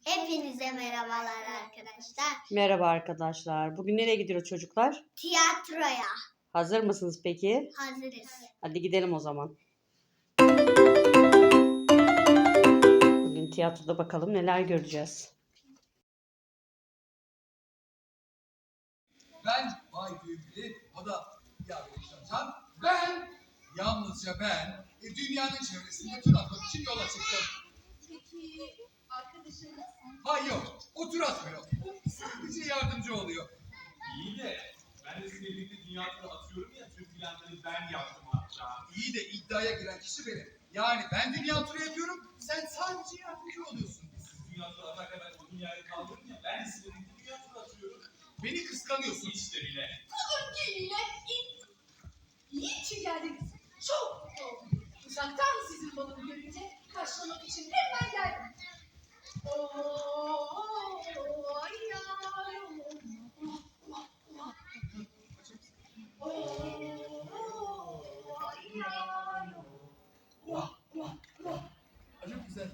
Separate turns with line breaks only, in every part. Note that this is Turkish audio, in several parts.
Hepinize merhabalar arkadaşlar.
Merhaba arkadaşlar. Bugün nereye gidiyoruz çocuklar?
Tiyatroya
Hazır mısınız peki?
hazırız.
Hadi gidelim o zaman. Bugün tiyatroda bakalım neler göreceğiz.
Ben Bay Büyükli, o da Yaşatan. Yalnızca ben dünyanın çevresinde tur atmak için yola çıktım.
Peki arkadaşınız?
Hayır, o tur atmıyor. Sadece yardımcı oluyor.
İyi de ben de sizinle birlikte dünya turu atıyorum ya, tüm planları ben yaptım hatta.
İyi de iddiaya giren kişi benim. Yani ben dünya turu yapıyorum, sen sadece yardımcı oluyorsun.
Siz dünya turu atarken ben o dünyayı kaldırdım ya, ben de sizinle birlikte dünya turu atıyorum.
Beni kıskanıyorsun.
Hiç de bile.
Öncelikle iyi ki geldiniz. Çok mutlu oldum. Uzaktan sizin balonu görünce karşılamak için hemen geldim.
Çok güzel.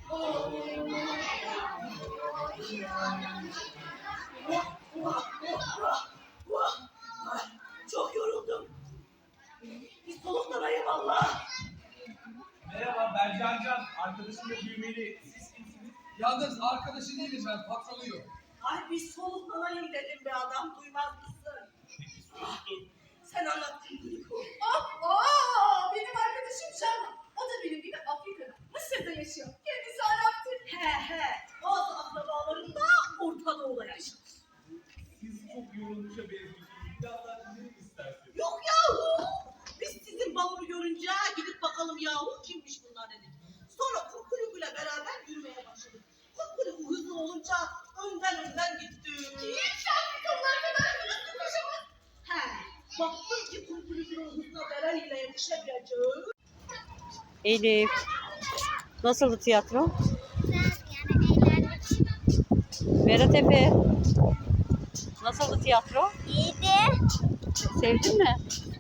Çok yoruldum. Bir soluklanayım valla.
Merhaba, ben Can. Arkadaşım da büyümeli. Siz kimsiniz?
Yalnız arkadaşı değilim ben, patronuyum.
Ay bir soluklanayım dedim be adam, duymaz mısın? Sen anlattın Gülüko.
Benim arkadaşım Can. O da benim gibi Afrika'da, Mısır'da yaşıyor. Kendisi Arap'tır.
He, bazı akrabalarım da Orta Doğu'da yaşar.
Siz çok yorulmuşa benziyorsunuz. Bir daha dinlemek isterseniz.
Yok yahu. Biz sizin balonu görünce gidip bakalım yahu kimmiş bunlar dedik. Sonra Kukuluk'uyla beraber yürümeye başladık. Kukuluk hızlı olunca önden gittik.
Kimse Afrikalılar kadar hızlı koşamaz.
He, baktım ki Kukuluk'un hızına Bereli'yle yetişemeyeceğim.
Elif. Nasıldı tiyatro?
Yani eğlendik.
Berat Efe. Nasıldı tiyatro?
İyiydi.
Sevdin mi?